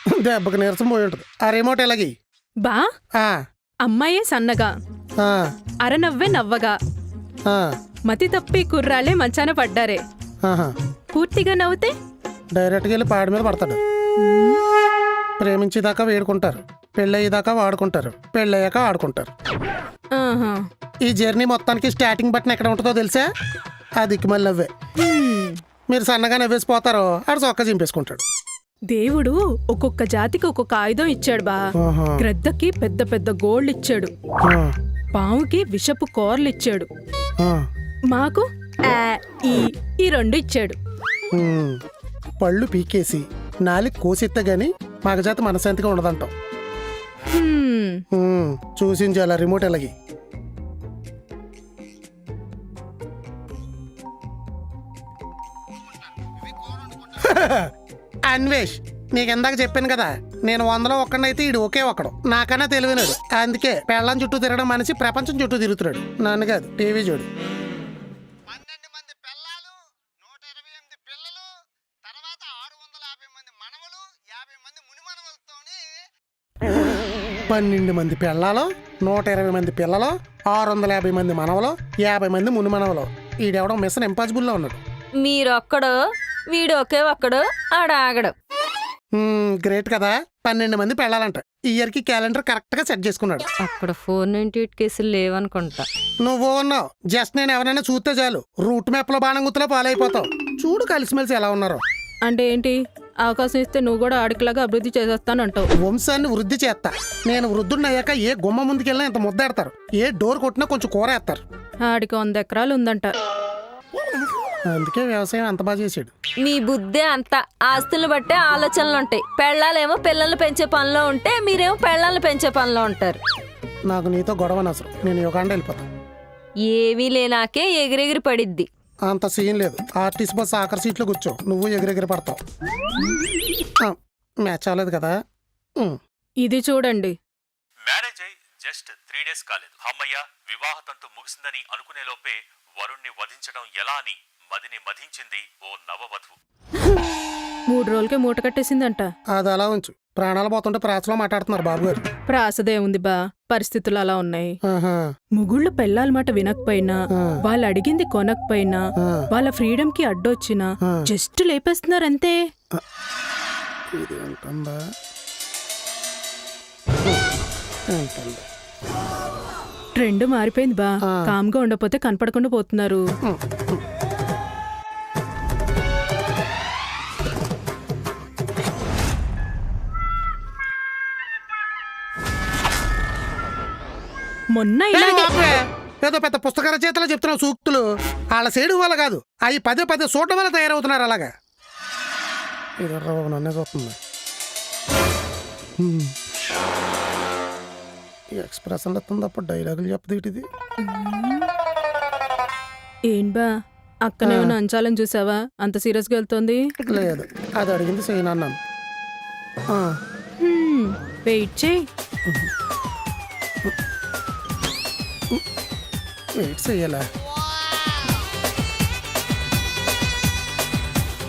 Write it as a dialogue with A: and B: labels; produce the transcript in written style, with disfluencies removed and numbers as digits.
A: దెబ్బకి నీరసం పోయి ఉంటుంది. ఆ రిమోట్ ఎలాగి
B: బా అమ్మాయే సన్నగా అరనవ్వే నవ్వగా మతి తప్పి కుర్రాళ్ళే మంచాన పడ్డారే. పూర్తిగా నవ్వుతే
A: డైరెక్ట్గా వెళ్ళి పాడి మీద పడతాడు. ప్రేమించేదాకా వేడుకుంటారు, పెళ్ళయ్యేదాకా వాడుకుంటారు, పెళ్ళయ్యాక ఆడుకుంటారు. ఈ జర్నీ మొత్తానికి స్టార్టింగ్ బటన్ ఎక్కడ ఉంటుందో తెలుసా? ఆ దిక్కుమల్లి నవ్వే. మీరు సన్నగా నవ్వేసిపోతారో ఆడు చొక్కా చింపేసుకుంటాడు.
B: దేవుడు ఒక్కొక్క జాతికి ఒక్కొక్క ఆయుధం ఇచ్చాడు బా. గ్రద్దకి పెద్ద పెద్ద గోళ్ళు ఇచ్చాడు, పావుకి విషపు కోర్లు ఇచ్చాడు, మాకు ఈ రెండు ఇచ్చాడు.
A: పళ్ళు పీకేసి నాలుగు కోసెత్తే గాని మగజాతి మనశాంతిగా ఉండదంటాం. చూసించాల రిమోట్ ఎలాగి. అన్వేష్, నీకు ఇందాక చెప్పాను కదా, నేను 100లో ఒక్కడైతే ఈడు ఒకే ఒక్కడు, నాకన్నా తెలివినాడు. అందుకే పెళ్ళం చుట్టూ తిరగడం మనిషి ప్రపంచం చుట్టూ తిరుగుతున్నాడు. నన్ను కాదు, టీవీ చూడు.
C: 12 మంది పిల్లలు, 128 పిల్లలు, తర్వాత 650 మంది మనవలు, 50 మంది మునిమనవలతోని
A: 12 మంది పిల్లలు, 120 మంది పిల్లలు, 650 మంది మనవలు, 50 మంది మునిమనవలు. ఈడెవడం మిషన్ ఇంపాసిబుల్లో ఉన్నాడు.
D: మీరొక్కడు, వీడు ఒకే ఒక్కడు, ఆడాగడు.
A: గ్రేట్ కదా. 12 మంది పెళ్ళాలంట. ఈ ఇయర్కి క్యాలెండర్ కరెక్ట్ గా సెట్ చేసుకున్నాడు.
D: అక్కడ 498 కేసులు లేవనుకుంటా.
A: నువ్వు ఉన్నావు, జస్ట్ నేను ఎవరైనా చూస్తే చాలు రూట్ మ్యాప్ లో బాణం గుర్తులో పాలైపోతావు. చూడు కలిసిమెలిసి ఎలా ఉన్నారు.
B: అంటే ఏంటి? అవకాశం ఇస్తే నువ్వు కూడా ఆడికిలాగా అభివృద్ధి చేసేస్తానంటావు.
A: వంశాన్ని వృద్ధి చేస్తా. నేను వృద్ధుడినయ్యాక ఏ గుమ్మ ముందుకెళ్ళినా ఇంత ముద్దేడతారు, ఏ డోర్ కొట్టినా కొంచెం కూర వేస్తారు.
B: ఆడికి 100 ఎకరాలు ఉందంట.
A: అందుకే వ్యవసాయం అంత బాగా చేసాడు.
D: మీ బుద్ధే అంత. ఆస్తులు బట్టే ఆలోచనలుంటాయి. పెళ్ళాలేమో పిల్లల్ని పెంచే పనిలో ఉంటే మీరేమో పెళ్ళాలను పెంచే పనిలో ఉంటారు.
A: నాకు నీతో గొడవ నసరు. నేను యుగాండ వెళ్ళిపోతా.
D: ఏమీ లేనాకే ఎగిరెగిరి పడిద్ది.
A: అంత సీన్ లేదు. ఆర్టీసీ బస్ ఆఖరి సీట్లో కూర్చో, నువ్వు ఎగిరెగిరి పడతావు. మ్యాచ్ అవ్వలేదు కదా.
B: ఇది చూడండి.
E: మ్యారేజ్ అయి జస్ట్ 3 days కాలేదు. అమ్మయ్య వివాహ తంతు ముగిసిందని అనుకునే లోపే వరుణ్ణి వధించడం ఎలా అని మదిని మధించింది ఓ నవవధువు.
B: 3 రోజులకే మూట కట్టేసిందంట.
A: అది అలా ఉంచు. ప్రాణాలు పోతుంటే ప్రాసలో మాట్లాడుతున్నారు బాబు గారు.
B: ప్రాసదే ఉంది బా, పరిస్థితులు అలా ఉన్నాయి. ముగుళ్ళు పెళ్ళాల మాట వినకపోయినా, వాళ్ళు అడిగింది కొనకపోయినా, వాళ్ళ ఫ్రీడమ్ కి అడ్డొచ్చినా జస్ట్ లేపేస్తున్నారంతే. ట్రెండ్ మారిపోయింది బా. కామ్గా ఉండకపోతే కనపడకుండా పోతున్నారు. మొన్న
A: ఏదో పెద్ద పుస్తక రచయితలో చెప్తున్నావు సూక్తులు. వాళ్ళ సైడు వల్ల కాదు, అవి 10 చూడటం వల్ల తయారవుతున్నారు. అలాగా ఇది నన్నే చూస్తుంది. ఎక్స్ప్రెషన్ వస్తుంది అప్పుడు డైలాగులు చెప్పదు. ఇది
B: ఏం బా, అక్కనేమన్నా అంచాలని చూసావా? అంత సీరియస్ గా వెళ్తుంది.
A: లేదు, అది అడిగింది చేయను అన్నాను.
B: వెయిట్ చేయి.
A: వెయిట్ చెయ్యాలా?